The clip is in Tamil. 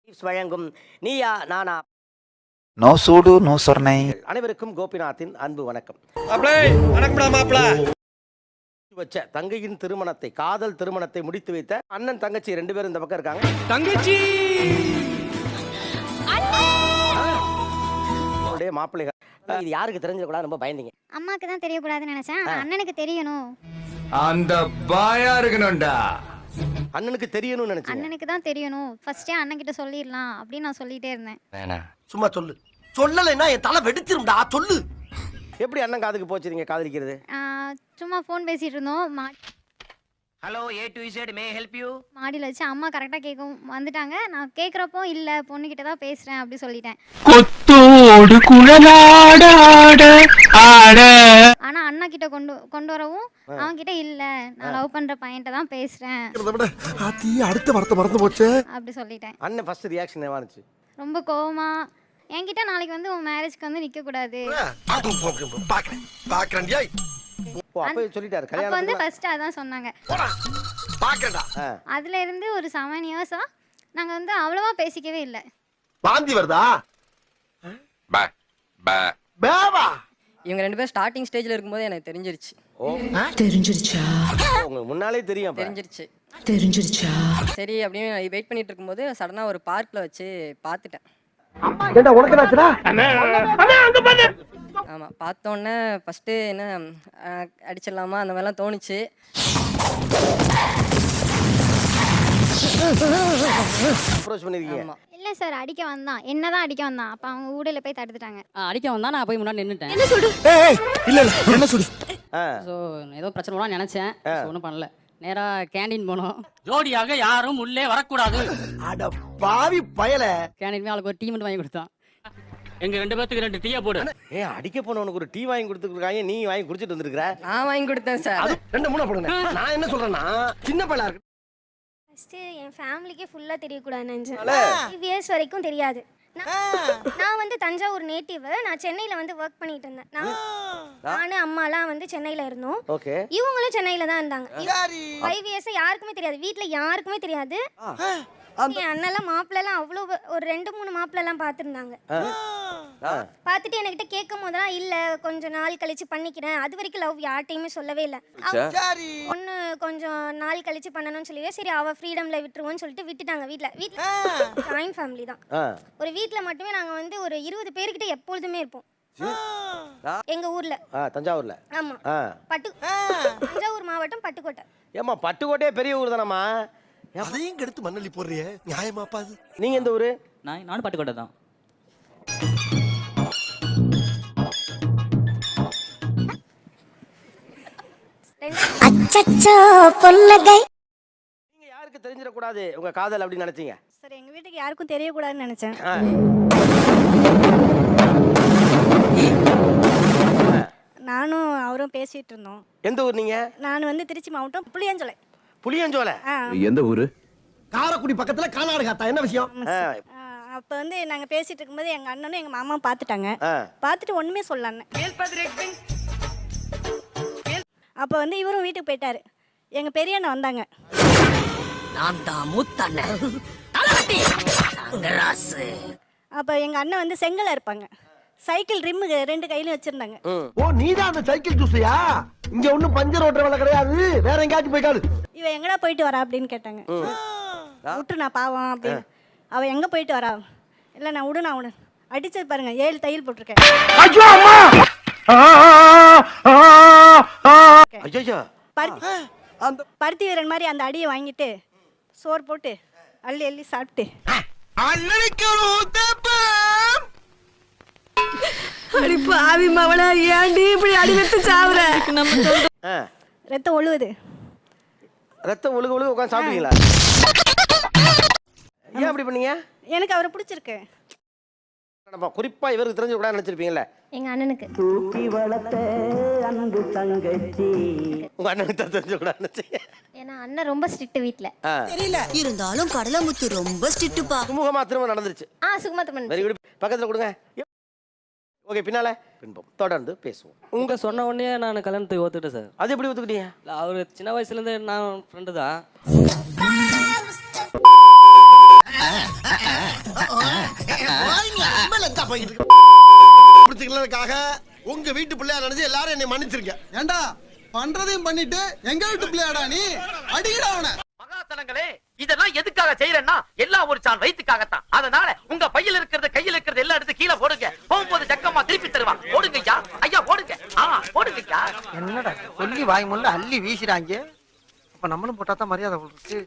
வழங்கும் நீயா நானா. நோ சூடு நோ சொர்ணை. அனைவருக்கும் கோபிநாத்தின் அன்பு வணக்கம். வச்ச தங்கையின் திருமணத்தை, காதல் திருமணத்தை முடித்து வைத்த அண்ணன் தங்கச்சி 2 பேரும் இந்த பக்கம் இருக்காங்க. தங்கச்சி மாப்பிள்ளைகள். இது யாருக்கு தெரிஞ்சிடக்கூடாது ரொம்ப பயந்தீங்க? அம்மாக்கு தான் தெரியக்கூடாதுன்னு நினைச்சேன். அண்ணனுக்கு தெரியணும். அந்த பாயா இருக்கணும்டா. அண்ணனுக்கு தெரியணும்னு நினைச்சேன். அண்ணனுக்கு தான் தெரியணும். ஃபர்ஸ்டே அண்ணன் கிட்ட சொல்லிடலாம் அப்படின்னு நான் சொல்லிட்டே இருந்தேன். சும்மா சொல்லு. சொல்லலைன்னா என் தலை வெடிச்சிரும்டா. சொல்லு. எப்படி அண்ணன் காதுக்கு போச்சு நீங்க காதலிக்கிறது? சும்மா ஃபோன் பேசிட்டு இருந்தோம். Hello A to Z may help you. மாடியில் வச்சு அம்மா கரெக்டாக கேட்கும் வந்துட்டாங்க. நான் கேட்குறப்போ இல்லை பொண்ணுக்கிட்ட தான் பேசுகிறேன் அப்படி சொல்லிட்டேன். கொத்தோடு குழலாட ஆட. ஆனால் அண்ணா கிட்ட கொண்டு வரவும் அவன் கிட்ட இல்லை நான் லவ் பண்ணுற பையன்கிட்ட தான் பேசுகிறேன் அடுத்த வார்த்தை மறந்து போச்சு அப்படி சொல்லிட்டேன். அண்ணன் ஃபர்ஸ்ட் ரியாக்ஷன் என்னவா இருந்துச்சு? ரொம்ப கோவமா என்கிட்ட நாளைக்கு வந்து உன் மேரேஜ்க்கு வந்து நிற்கக்கூடாது அப்ப சொல்லிட்டாரு அப்ப வந்து ஃபர்ஸ்ட் அதான் சொன்னாங்க. அதுல இருந்து ஒரு 7 இயர்ஸா நாங்க வந்து அவ்வளவா பேசிக்கவே இல்ல. வாந்தி வருதா? இவங்க 2 பேரும் ஸ்டார்டிங் ஸ்டேஜ்ல இருக்கும்போது எனக்கு தெரிஞ்சிருச்சு. தெரிஞ்சிருச்சா? உங்களுக்கு முன்னாலே தெரியும்? தெரிஞ்சிருச்சா? சரி அப்படின்னு வெயிட் பண்ணிட்டு இருக்கும்போது சடனா ஒரு பார்க்ல வச்சு பார்த்துட்டேன். ஆமா பார்த்தோன்னே ஃபர்ஸ்ட் என்ன அடிச்சிடலாமா அந்த மாதிரிலாம் தோணுச்சு. இல்ல சார் அடிக்க வந்தான், என்னதான் அடிக்க வந்தான். அப்ப அவங்க ஊடையில போய் தடுத்துட்டாங்க. அடிக்க வந்தா நான் போய் முன்னாடி நின்னுட்டேன். என்ன சொல்லு? இல்ல என்ன சொல்லு? சோ ஏதோ பிரச்சனை வரும் நினைச்சேன். ஒண்ணும் பண்ணல. நேரா கேண்டீன் போனோம். ஜோடியாக யாரும் உள்ளே வரக்கூடாது. அட பாவி பயல. கேண்டீன் ஆளுக்கு ஒரு டீ மட்டும் வாங்கி கொடுத்தான். எங்க 2 பேத்துக்கு 2 டீயா போடு. அடிக்க போனவனுக்கு ஒரு டீ வாங்கி கொடுத்துருக்காங்க, நீ வாங்கி குடிச்சிட்டு வந்திருக்கிற. நான் வாங்கி கொடுத்தேன் சார். அது 2 3 போடுங்க. நான் என்ன சொல்றேன்னா சின்ன பையலா இருக்கு. ஃபர்ஸ்ட் என் ஃபேமிலிக்கே ஃபுல்லா தெரியக்கூடாதுன்னு நினைச்சேன். 5 இயர்ஸ் வரைக்கும் தெரியாது. நான் வந்து தஞ்சாவூர் நேட்டிவ். நான் சென்னையில வந்து ஒர்க் பண்ணிட்டு இருந்தேன். நானும் அம்மாலாம் வந்து சென்னையில இருந்தோம். இவங்களும் சென்னையில தான் இருந்தாங்க. 5 இயர்ஸ் யாருக்குமே தெரியாது, வீட்ல யாருக்குமே தெரியாது. என் அண்ணெல்லாம் மாப்பிள்ளலாம் அவ்வளோ ஒரு 2 3 மாப்பிள்ளலாம் பார்த்துருந்தாங்க. பார்த்துட்டு என்கிட்ட கேட்கும் போதெல்லாம் இல்லை கொஞ்சம் நாள் கழிச்சு பண்ணிக்கிறேன். அது வரைக்கும் லவ் யார்ட்டையுமே சொல்லவே இல்லை. ஒன்று கொஞ்சம் நாள் கழிச்சு பண்ணணும்னு சொல்லி சரி அவள் ஃப்ரீடமில் விட்டுருவோன்னு சொல்லிட்டு விட்டுட்டாங்க. வீட்டில் ஜாயின்ட் ஃபேமிலி தான். ஒரு வீட்டில் மட்டுமே நாங்கள் வந்து ஒரு 20 பேர்கிட்ட எப்பொழுதுமே இருப்போம். எங்க ஊர்ல தஞ்சாவூர்ல. ஆமா தஞ்சாவூர் மாவட்டம் பட்டுக்கோட்டை. ஏமா பட்டுக்கோட்டையே பெரிய ஊர் தானம்மா? அதையும் கெடுத்து மண்ணள்ளி போடுறியே நியாயமாப்பா அது? நீங்க எந்த ஊரு? நானும் பட்டுக்கோட்டை தான். நீங்க யாருக்கு தெரிஞ்சிடக்கூடாது உங்க காதல் அப்படின்னு நினைச்சீங்க? சார் எங்க வீட்டுக்கு யாருக்கும் தெரியக்கூடாதுன்னு நினைச்சேன். நானும் அவரும் பேசிட்டு இருந்தோம். எந்த ஊர் நீங்க? நான் வந்து திருச்சி மாவட்டம் புளியஞ்சோலை. புளியஞ்சோலை எந்த ஊரு? காரக்குடி பக்கத்துல கானாடுகாத்தா. என்ன விஷயம்? அப்ப வந்து நாங்க பேசிட்டு இருக்கும்போது எங்க அண்ணனும் எங்க மாமா பாத்துட்டாங்க. பாத்துட்டு ஒண்ணுமே சொல்லல. அப்ப வந்து இவரும் வீட்டுக்கு போயிட்டாரு. எங்க பெரிய அண்ணன் வந்தாங்க. நான் தான் முத்தண்ணன். அப்ப எங்க அண்ணன் வந்து செங்கல்ல இருப்பாங்க. சைக்கிள் ரிம் 2 கையிலும் வச்சிருந்தாங்க. ஓ நீதான் அந்த சைக்கிள் ஜூஸையா? இங்க ஒண்ணும் பஞ்சர் ஓட்டுற வேலை கிடையாது, வேற எங்கேயாச்சும் போயிட்டாரு. இவ எங்கடா போயிட்டு வரா அப்படின்னு கேட்டாங்க. விட்டு நான் பாவம் அப்படின்னு. அவ எங்க போயிட்டு வரா? இல்ல நான் விடு நான் விடு. அடிச்சது பாருங்க 7 தையல் போட்டிருக்கேன். பருத்தி வீரன் மாதிரி அந்த அடியை வாங்கிட்டு சோறு போட்டு அள்ளி அள்ளி சாப்பிட்டு பாவி மவள ஏன்டி இப்படி அடி வெச்சு சாவுற? ரத்தம் ஒழுகுது. ரத்தம் ஒழுக ஒழுக உட்காந்து சாப்பிட்டீங்களா? ஏன் அப்படி பண்ணீங்க? எனக்கு அவரை பிடிச்சிருக்கு. குறிப்பா இவருக்கு தெரிஞ்ச கூட நினைச்சிருப்பீங்கல்ல? எங்க அண்ணனுக்கு. தூக்கி வளர்த்த அன்பு தங்கச்சி. உங்க அண்ணனுக்கு தெரிஞ்ச கூட நினைச்சீங்க? ஏன்னா அண்ணன் ரொம்ப ஸ்ட்ரிக்ட் வீட்ல. தெரியல இருந்தாலும் கடலமுத்து ரொம்ப ஸ்ட்ரிக்ட்பா. சுமூகமா திரும்ப நடந்துருச்சு. சுகமா திரும்ப. Very good. பக்கத்துல கொடுங்க. ஓகே பின்னால பின்பம் தொடர்ந்து பேசுவோம். உங்க சொன்ன உடனே நான் கல்யாணத்துக்கு ஒத்துக்கிட்டேன் சார். அது எப்படி ஒத்துக்கிட்டீங்க? அவரு சின்ன வயசுல இருந்து நான் ஃப்ரெண்டு தான். பிடிச்சிக்கிறதுக்காக உங்க வீட்டு பிள்ளையா நினைச்சு எல்லாரும் என்னை மன்னிச்சிருங்க. ஏண்டா பண்றதையும் பண்ணிட்டு எங்க வீட்டு பிள்ளையாடா நீ அடிக்கடா அவனை. மகாசனங்களே இதெல்லாம் எதுக்காக செய்யறேன்னா எல்லாம் ஒரு சான் வயிற்றுக்காகத்தான். அதனால உங்க பையில இருக்கிறது கையில இருக்கிறது எல்லாம் எடுத்து கீழே போடுங்க. போகும்போது ஜக்கமா திருப்பி தருவான். போடுங்க ஐயா, ஐயா போடுங்க. போடுங்க ஐயா. என்னடா சொல்லி வாய் முள்ள அள்ளி வீசுறாங்க. அப்ப நம்மளும் போட்டா தான் மரியாதை இருக்கு.